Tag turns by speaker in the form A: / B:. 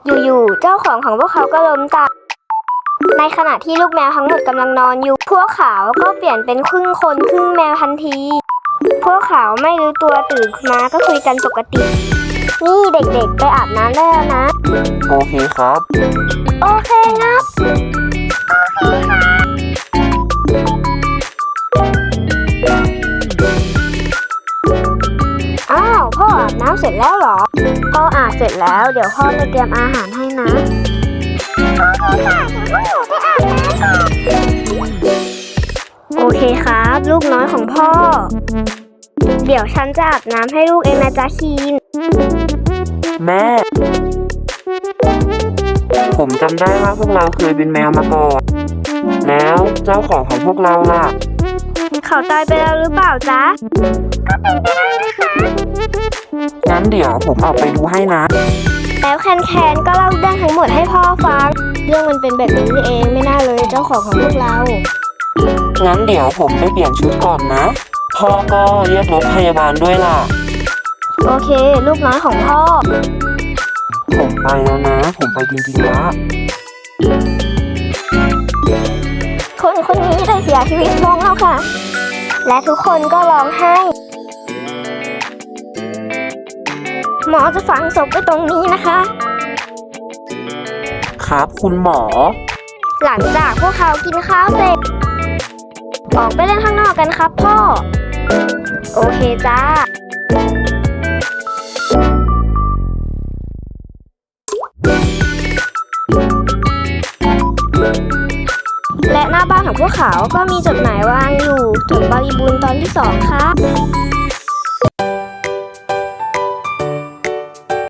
A: อยู่ๆเจ้าของพวกเขาก็ล้มตายในขณะที่ลูกแมวทั้งหมดกำลังนอนอยู่พวกเขาก็เปลี่ยนเป็นครึ่งคนครึ่งแมวทันทีพวกเขาไม่รู้ตัวตื่นมาก็คุยกันปกตินี่เด็กๆไปอาบน้ำได้แล้วนะ
B: โอเคครับ
A: โอเคงับอ้าวพ่ออาบน้ำเสร็จแล้วเหรอพ่ออาบเสร็จแล้วเดี๋ยวพ่อไปเตรียมอาหารให้นะโอเคครับลูกน้อยของพ่อเดี๋ยวฉันจะอาบน้ำให้ลูกเองนะจ๊ะคีน
B: แม่ผมจำได้ว่าพวกเราเคยเป็นแมวมาก่อนแล้วเจ้าของพวกเราล่ะ
A: เขาตายไปแล้วหรือเปล่าจ๊ะก็เป็นไปได้นะคะ
B: งั้นเดี๋ยวผมออกไปดูให้นะ
A: แล้วแคนก็เล่าเรื่องทั้งหมดให้พ่อฟังเรื่องมันเป็นแบบนี้เองไม่น่าเลยเจ้าของพวกเรา
B: งั้นเดี๋ยวผมไปเปลี่ยนชุดก่อนนะพ่อก็เรียกรถพยาบาลด้วยล่ะ
A: โอเคลูกน้อยของพ่อ
B: ผมไปแล้วนะผมไปจริงๆละ
A: คนนี้ได้เสียชีวิตลงแล้วค่ะและทุกคนก็ร้องไห้หมอจะฝังศพไว้ตรงนี้นะคะ
B: ครับคุณหมอ
A: หลังจากพวกเขากินข้าวเสร็จออกไปเล่นข้างนอกกันครับพ่อโอเคจ้าและหน้าบ้านของพวกเขาก็มีจดหมายวางอยู่จดบริบูรณ์ตอนที่2ครับ